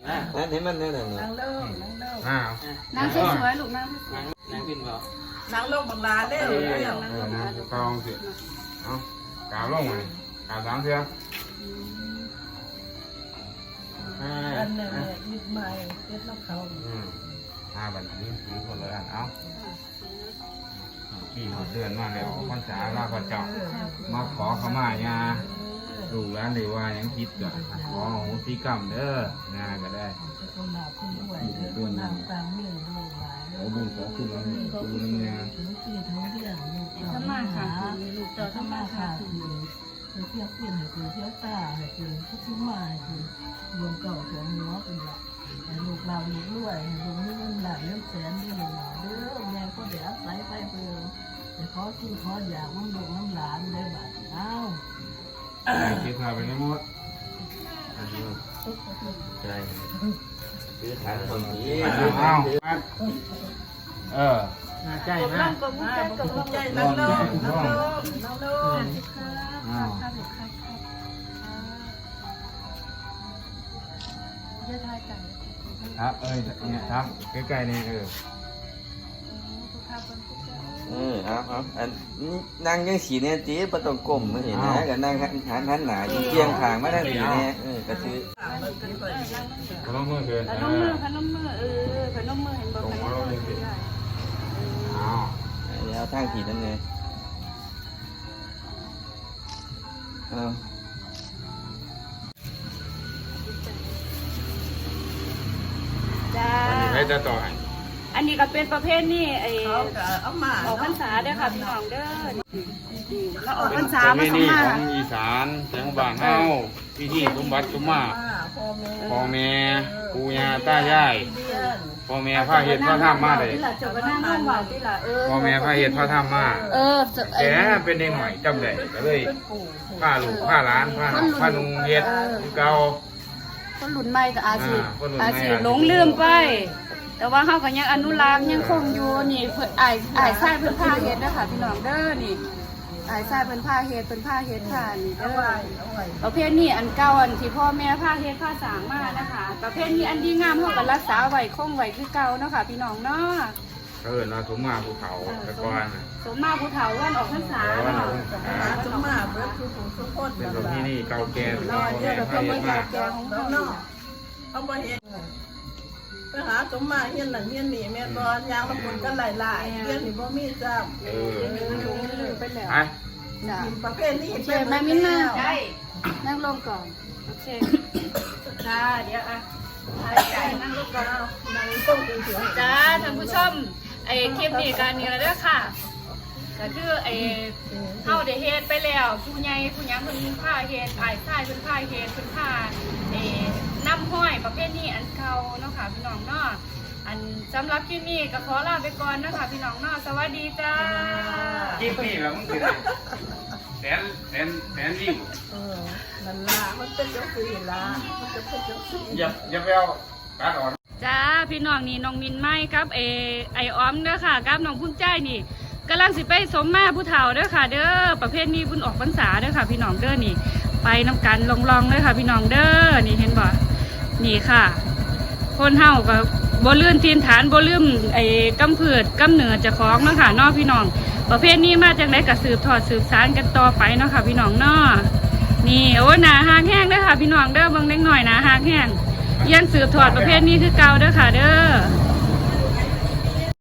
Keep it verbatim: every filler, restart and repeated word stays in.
นั่นเห็นมันนั่นน่ะนั่งลงนั่งลงอ้าวนั่งสวยๆลูกนั่งสวยนั่งขึ้นบ่นั่งลงบังลาเด้อเออนะกองสิเอากาวลงมาเกาวสามเสืออ่าอันนี้ยึดไม้ยึดนกเขาอืมห้าบันนี้ถือคนละอันเอากี่หมดเดือนมาแล้วพรรษาลาพระเจ้ามาขอขมาญาลูกหลานได้ว่ายังคิดก็ขอโหสิกรรมเด้องาก็ได้คนหนาคนด้วยเด้อน้ำตามมือดูหลายขอบุญขอคุณเราคุณน้ำงานถึงที่ทั้งเรื่องลูกๆถ้ามาค่ะลูกเจ้าถ้าถ้ามามาค่ะค่ะคือเที่ยวเปลี่ยนให้คือเที่ยวตาให้คือทุกทุกมาให้คือรวมเก่าสองหัวเป็นหลักให้ลูกเราลูกรวยให้ลูกมีเงินหลานเงินแสนเด้อเด้อแม่ก็เดี๋ยวใส่ไปเบิ่งแต่ขอกินขออยากน้ำลูกน้ำหลานได้บัดเอ้าเก็บผ้าไปในมดใช่ซื้อฐานคนนี้เอาเออใช่กบไหมล่องกบมุ้งใจกบล่องใจนั่งลงนั่งลงนั่งลงครับครับครับครับเยอะทายกันครับเอ้ยเนี่ยครับใกล้ๆเนี่ยเออทุกข้าวเป็นทุกเจ้าเออเอาเอาอันนั่งยังสีเนี่ยจีประตองกลมไม่เห็นนะก็นั่งหันหันหนาเตียงทางมาทางสีเนี่ยเออก็คือขนมมือเกินขนมมือขนมมือเออขนมมือเห็นบอกขนมมือเอาเดี๋ยวทางผีนั่นไงเอาจ้าอันนี้ใครจะต่อให้อันนี้ก็เป็นประเภทนี่ไอ้เขาก็เอามาออกพรรษาเด้อค่ะพี่น้องเด้อเราออกพรรษาเป็มาน สนี่มาของอีสานแสงบ้านเฮาพิธีสมบัติสมมาพ่อแม่พ่อแม่ปู่ย่าตายายเลี้ยงพ่อแม่พาเฮ็ดพาทำมาเลยที่ละจบก็นั่งร่วมว่าที่ละเออพ่อแม่พาเฮ็ดพาทำมาเออแกเป็นเด็กหน่อยจำได้ก็เลยเป็นปู่พาลูกพาหลานพาพานุงเฮ็ดคือเก่าคนรุ่นใหม่ก็อาจสิอ่าคนรุ่นใหม่อาจสิหลงลืมไป แต่ว่าเฮาก็ยังอนุรักษ์ยังคงอยู่นี่เพิ่นอ้ายอ้ายชายเพิ่นพาเฮ็ดเด้อค่ะพี่น้องเด้อนี่อ้ายชายเพิ่นพาเฮ็ดเพิ่นพาเฮ็ดค่ะนี่เอาเด้อไว้เอาไว้ประเภทนี้อันเก่าอันที่พ่อแม่พาเฮ็ดพาสร้างมานะคะประเภทนี้อันดีงามเฮาก็รักษาไว้คงไว้คือเก่าเนาะค่ะพี่น้องเนาะเขาเอิ้นว่าสมมาภูเขาแต่ก่อนน่ะสมมาผู้เฒ่าวันออกพรรษาเนาะหาสมมาเบิดคือผู้สุพจน์เป็นนั่นประเพล่ะณีเก่าแก่รพ่ออเดี๋ยแม่วเราพาเพิ่นเฮ็มาดแจมากแจงของแล้เฮาวเนาะเขาบ่เฮ็ดไปหาสมมาเฮียนนั่นเฮียนนี่แม่บ่ยางละคนกันหลายๆเฮียนนี่บ่มีจ้าเออไปแล้วไปจ้ะประเภทนี้โอเคแม่มิ้นมานั่งลงก่อนโอเคจ้าเดี๋ยวอ่ะไปนั่งลงก่อนนั่งต้มกินเสือจ้าท่านผู้ชมไอ้คลิปนี้การนี้แล้วเด้อค่ะก็คือไอ้เฮาได้เฮ็ดไปแล้วผู้ใหญ่ผู้หยังเพิ่นพาเฮ็ดอ้ายชายเพิ่นพาเฮ็ดเพิ่นพาไอ้น้ำห้อยประเภทนี้อันเก่าเนาะค่ะพี่น้องเนาะอันสำหรับคลิปนี้ก็ขอลาไปก่อนนะคะพี่น้องเนาะสวัสดีจ้ากินนี่แบบมึงสิได้แสนแสนแสนวิวเออนั่นล่ะมันเป็นจังซี่ล่ะมันจะเป็นจังซี่อย่าอย่าไปเอาการอ่อนจ้าพี่น้องนี่น้องมินไม้ครับเอไอออมเด้อค่ะกับน้องพุ่นใจนี่กำลังสิไปสมมาผู้เฒ่าเด้อค่ะ เด้อประเภทนี้พุ่นออกพรรษาเด้อค่ะ พี่น้องเด้อนี่ ไปน้ำกันลองๆเด้อค่ะ พี่น้องเด้อนี่เห็นบ่นี่ค่ะ คนเฮาก็บ่ลื่นทีนฐานบ่ลืมไอ้กำพืชกำเนิดเจ้าของเนาะค่ะเนาะพี่น้อง ประเภทนี้มาจากไหนก็สืบทอดสืบสานกันต่อไปเนาะค่ะ พี่น้องเนาะนี่โอ้หนาหากแห้งเด้อค่ะ พี่น้องเด้อเบิ่งเล็กหน่อยหนาหากแห้งยังสืบทอดประเภทนี้คือเก่าเด้อค่ะ เด้อ